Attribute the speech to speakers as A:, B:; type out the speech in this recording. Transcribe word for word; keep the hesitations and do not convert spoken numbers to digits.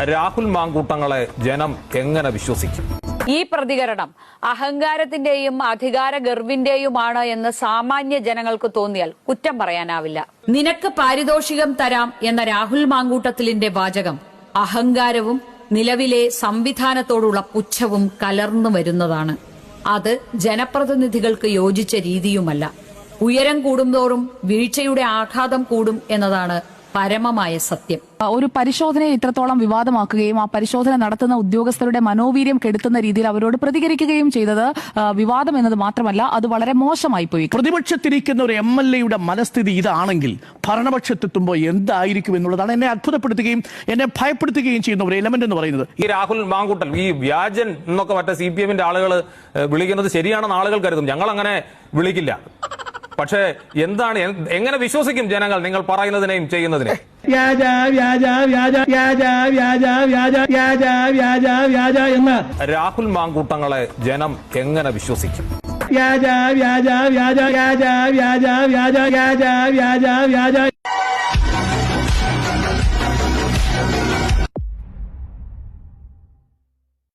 A: രാഹുൽ മാങ്കൂട്ടങ്ങളെ ജനം എങ്ങനെ വിശ്വസിക്കും?
B: ഈ പ്രതികരണം അഹങ്കാരത്തിന്റെയും അധികാര ഗർവിന്റെയുമാണ് എന്ന് സാമാന്യ ജനങ്ങൾക്ക് തോന്നിയാൽ കുറ്റം പറയാനാവില്ല. നിനക്ക് പാരിതോഷികം തരാം എന്ന രാഹുൽ മാങ്കൂട്ടത്തിലിന്റെ വാചകം അഹങ്കാരവും നിലവിലെ സംവിധാനത്തോടുള്ള പുച്ഛവും കലർന്നു വരുന്നതാണ്. അത് ജനപ്രതിനിധികൾക്ക് യോജിച്ച രീതിയുമല്ല. ഉയരം കൂടുന്തോറും വീഴ്ചയുടെ ആഘാതം കൂടും എന്നതാണ് പരമമായ സത്യം.
C: ഒരു പരിശോധനയെ ഇത്രത്തോളം വിവാദമാക്കുകയും ആ പരിശോധന നടത്തുന്ന ഉദ്യോഗസ്ഥരുടെ മനോവീര്യം കെടുത്തുന്ന രീതിയിൽ അവരോട് പ്രതികരിക്കുകയും ചെയ്തത് വിവാദം എന്നത് മാത്രമല്ല, അത് വളരെ മോശമായി പോയി.
D: പ്രതിപക്ഷത്തിരിക്കുന്ന ഒരു എം എൽ എയുടെ മനസ്ഥിതി ഇതാണെങ്കിൽ ഭരണപക്ഷത്തെത്തുമ്പോൾ എന്തായിരിക്കും എന്നുള്ളതാണ് എന്നെ അത്ഭുതപ്പെടുത്തുകയും എന്നെ ഭയപ്പെടുത്തുകയും ചെയ്യുന്ന ഒരു എലമെന്റ് എന്ന് പറയുന്നത്.
A: ഈ രാഹുൽ മാങ്കൂട്ടൽ, ഈ വ്യാജൻ എന്നൊക്കെ മറ്റേ സി പി എമ്മിന്റെ ആളുകൾ വിളിക്കുന്നത് ശരിയാണെന്ന് ആളുകൾ കരുതും. ഞങ്ങൾ അങ്ങനെ വിളിക്കില്ല. പക്ഷേ എന്താണ്, എങ്ങനെ വിശ്വസിക്കും ജനങ്ങൾ നിങ്ങൾ പറയുന്നതിനെയും ചെയ്യുന്നതിനെയും?
E: വ്യാജ വ്യാജ വ്യാജ വ്യാജ വ്യാജ വ്യാജ വ്യാജ വ്യാജ വ്യാജ എന്ന്
A: രാഹുൽ മാങ്കൂട്ടങ്ങളെ ജനം എങ്ങനെ വിശ്വസിക്കും?
E: വ്യാജ വ്യാജ വ്യാജ വ്യാജ വ്യാജ വ്യാജ വ്യാജ വ്യാജ വ്യാജ